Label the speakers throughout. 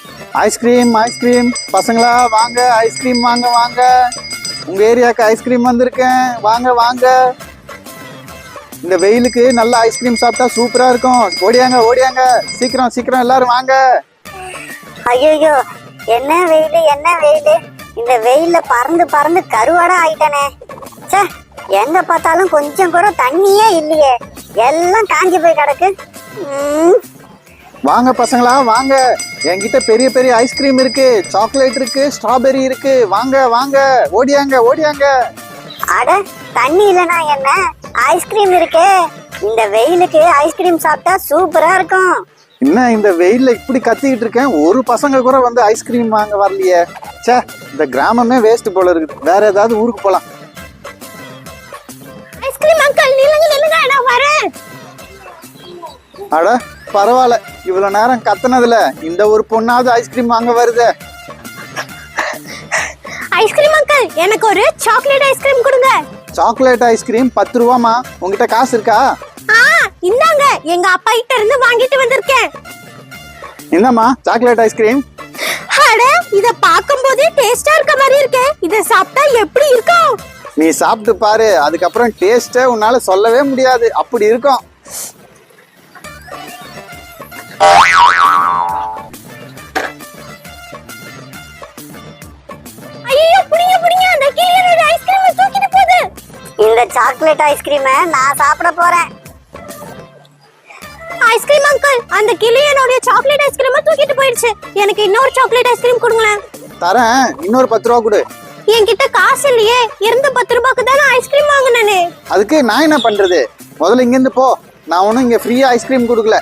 Speaker 1: Ice cream ice cream பசங்களா வாங்க ice cream வாங்க வாங்க. உங்க ஏரியாவுக்கு ஐஸ்கிரீம் வந்திருக்கேன், வாங்க வாங்க. இந்த வெயிலுக்கு நல்ல ஐஸ்கிரீம் சாப்பிட்டா சூப்பரா இருக்கும். ஓடியாங்க ஓடியாங்க, சீக்கிரம் சீக்கிரம் எல்லாரும் வாங்க.
Speaker 2: ஐயோ என்ன வெயிலு என்ன வெயிலு, இந்த வெயில்ல பறந்து பறந்து கருவாடா ஆயிட்டானே. சே, எங்க பார்த்தாலும் கொஞ்சம் கூட தண்ணியே இல்லையே, எல்லாம் காஞ்சி போய் கிடக்கு.
Speaker 1: வாங்க பசங்களா வாங்க, என்கிட்ட பெரிய பெரிய ஐஸ்கிரீம் இருக்கு, சாக்லேட் இருக்கு, ஸ்ட்ராபெரி இருக்கு. வாங்க வாங்க, ஓடியாங்க ஓடியாங்க.
Speaker 2: அட தண்ணி இல்லனா என்ன, ஐஸ்கிரீம் இருக்கே. இந்த வெயிலுக்கு ஐஸ்கிரீம் சாப்பிட்டா சூப்பரா இருக்கும்.
Speaker 1: என்ன இந்த வெயில்ல இப்படி கத்திக்கிட்டு இருக்கேன், ஒரு பசங்க கூட வந்து ஐஸ்கிரீம் வாங்க வரலையே. சே, இந்த கிராமமே வேஸ்ட் போல இருக்குது. வேற ஏதாவது ஊருக்கு போலாம்.
Speaker 2: ஐஸ்கிரீம் அங்கிள் நில்லுங்க நில்லுங்க, நான் வரேன்.
Speaker 1: அட பரவாயில்ல, இவ்வளவு நேரம் கத்துனதுல இந்த ஒரு பொண்ணாவது ஐஸ்கிரீம் வாங்க வருது.
Speaker 2: ஐஸ்கிரீம் அங்கிள், எனக்கு ஒரு சாக்லேட் ஐஸ்கிரீம் கொடுங்க.
Speaker 1: சாக்லேட் ஐஸ்கிரீம் 10 ரூபாமா? உங்ககிட்ட காசு இருக்கா?
Speaker 2: இந்தாங்க, எங்க அப்பா கிட்ட இருந்து வாங்கிட்டு வந்திருக்கேன்.
Speaker 1: என்னம்மா சாக்லேட் ஐஸ்கிரீம்?
Speaker 2: அட, இத பாக்கும்போதே டேஸ்டா இருக்க மாதிரி இருக்கே, இத சாப்பிட்டா எப்படி இருக்கும்?
Speaker 1: நீ சாப்பிட்டு பாரு, அதுக்கப்புறம் டேஸ்டே உன்னால சொல்லவே முடியாது, அப்படி இருக்கும்.
Speaker 2: ஐயோ புடிங்க புடிங்க, அந்த கிளியோட ஐஸ்கிரீமை தூக்கிட்டு போகுது. இந்த சாக்லேட் ஐஸ்கிரீமை நான் சாப்பிட போறேன். ஐஸ்கிரீம் அங்கிள், அந்த கிளியோட சாக்லேட் ஐஸ்கிரீமை தூக்கிட்டு போயிடுச்சு. எனக்கு இன்னொரு சாக்லேட் ஐஸ்கிரீம் கொடுங்களேன்.
Speaker 1: தரேன், இன்னொரு 10 ரூபா கொடு.
Speaker 2: என்கிட்ட காசு இல்லையே, இருந்த 10 ரூபாய்க்கு தான் ஐஸ்கிரீம் வாங்கினேனே.
Speaker 1: அதுக்கு நான் என்ன பண்றது? முதல்ல இங்க இருந்து போ, நான் ஒன்னும் இங்க ஃப்ரீயா ஐஸ்கிரீம் கொடுக்கல.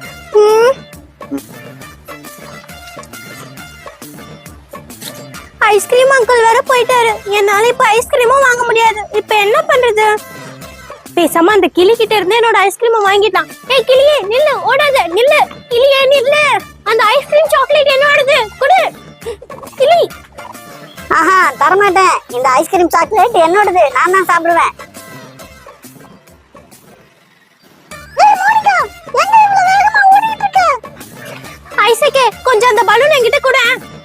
Speaker 2: ஐஸ்கிரீம் அங்கிள் வேற போயிட்டாரு, என்னால இப்ப ஐஸ்கிரீமும் வாங்க முடியாது. இப்ப என்ன பண்றது? பேசாம அந்த கிளி கிட்ட இருந்து என்னோட ஐஸ்கிரீமை வாங்கிட்டான். ஏய் கிளியே நில்லு, ஓடாத, நில்லு கிளியே நில்லு. அந்த ஐஸ்கிரீம் சாக்லேட் என்னோடது, கொடு கிளி. ஆஹா, தரமாட்டேன். இந்த ஐஸ்கிரீம் சாக்லேட் என்னோடது, நான் தான் சாப்பிடுவேன். ஐசக்கே, கொஞ்சம் அந்த பலூன் என்கிட்ட கொடு.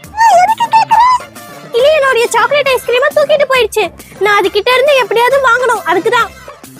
Speaker 2: கிளியனோட சாக்லேட் ஐஸ்கிரீமை தூக்கிட்டு போயிடுச்சு. நான் அது கிட்ட இருந்து எப்படியாவது வாங்கணும், அதுக்குதான்.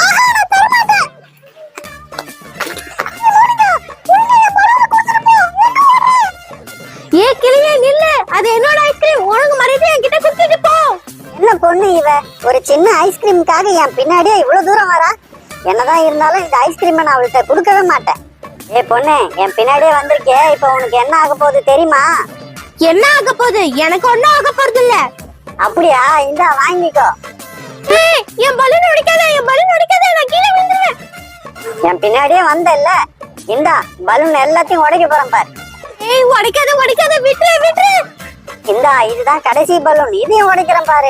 Speaker 2: ஏ கிளியே நில்லு, அது என்னோட ஐஸ்கிரீம், உனக்கு மரியாதை என்கிட்ட கொடுத்துட்டு போ. என்ன பொண்ணு இவ, ஒரு சின்ன ஐஸ்கிரீமுக்காக என் பின்னாடியே இவ்வளவு தூரம் வரா. என்னதான் இருந்தாலும் இந்த ஐஸ்கிரீமை நான் அவள்கிட்ட கொடுக்கவே மாட்டேன். ஏ பொண்ணு, என் பின்னாடியே வந்திருக்கே, இப்ப உனக்கு என்ன ஆக போகுது தெரியுமா? என்ன ஆக போகுது? எனக்கு ஒண்ணும் ஆக போறது இல்ல. அப்படியா? இந்தா வாங்கிக்கோ. ஏய், என் பலூன் உடைக்காத, என் பலூன் உடைக்காத, நான் கீழே விழுந்துறேன். என் பின்னாடியே வந்தல்ல, இந்தா பலூன் எல்லாத்தையும் உடைக்க போறேன் பாரு. ஏய், உடைக்காத உடைக்காத, விட்டுரு விட்டுரு. இந்தா, இதுதான் கடைசி பலூன், இதையும் உடைக்கிறேன் பாரு.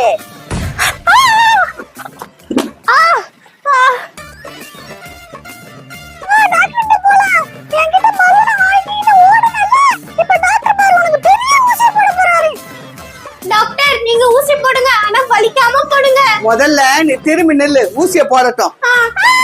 Speaker 2: டாக்டர், நீங்க ஊசி போடுங்க, ஆனா வலிக்காம போடுங்க.
Speaker 3: முதல்ல நீ திரும்பி நெல்லு, ஊசிய போடட்டும்.